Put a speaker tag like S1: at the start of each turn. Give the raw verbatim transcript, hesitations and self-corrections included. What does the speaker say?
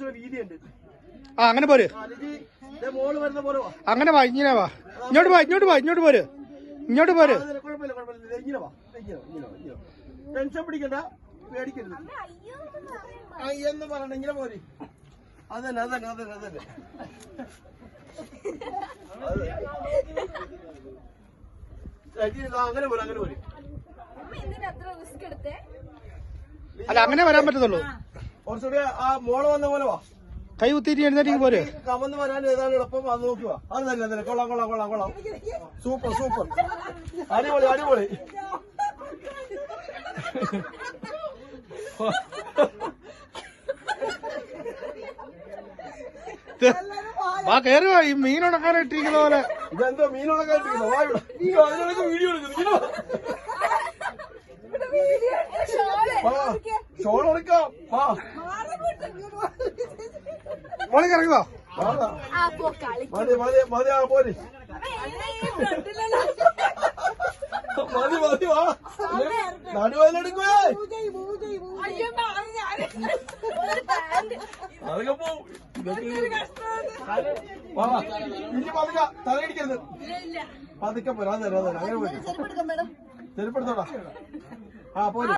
S1: കുറച്ചുകൂടെ വീതിയുണ്ട്.
S2: ആ അങ്ങനെ പോര്,
S1: മോള് വരുന്ന പോലെ
S2: അങ്ങനെ വാ, ഇങ്ങനെ വാ, ഇങ്ങോട്ട് വാ, ഇങ്ങോട്ട് വാ, ഇങ്ങോട്ട് പോര്, ഇങ്ങോട്ട് പോര്.
S1: കുഴപ്പമില്ല കുഴപ്പമില്ല, ഇങ്ങനെ വാ, ഇങ്ങനെ ഇങ്ങനെ ഇങ്ങനെ ടെൻഷൻ പിടിക്കണ്ട, പേടിക്കരുത്. എന്ന് പറയണ്ട, ഇങ്ങനെ പോര്. അതന്നെ അതന്നെ അതന്നെ അതന്നെ അങ്ങനെ പോലെ അങ്ങനെ പോലെ.
S2: അല്ല അങ്ങനെ വരാൻ പറ്റത്തുള്ളൂ.
S1: കുറച്ചുകൂടി ആ മോള് വന്ന പോലെ വാ,
S2: കൈ കുത്തിയിട്ട് എഴുന്നേറ്റ് പോര്.
S1: കമന്ന് വരാൻ ഏതാണ് എളുപ്പം, അത് നോക്കുക. അത് തന്നെ തന്നെ കൊള്ളാം കൊള്ളാം കൊള്ളാം കൊള്ളാം, സൂപ്പർ സൂപ്പർ, അടിപൊളി അടിപൊളി.
S2: വാ കയറി വാ, ഈ മീൻ ഉണക്കാനായിട്ടിരിക്കുന്ന പോലെ.
S1: ഇതെന്തോ മീൻ ഉണക്കാനിരിക്കുന്നു, വാ ഇവിടെ. അതിനൊക്കെ വീഡിയോ എടുക്കുന്നു, ഷോൾ എടുക്കാം. വാ
S2: മോളി ഇറങ്ങുവാ,
S1: മതി മതി മതി, ആ പോര്, മതി മതി, വാ നടുവേലെടുക്കുവേ, അതൊക്കെ പോവും. വാ ഇനി പതുക്കെ തലയിടിക്കരുത്, പതുക്കെ പോരാ, അതെ അതെ അങ്ങനെ പോയി ചെരുപ്പെടുത്തോടാ. ആ പോര്.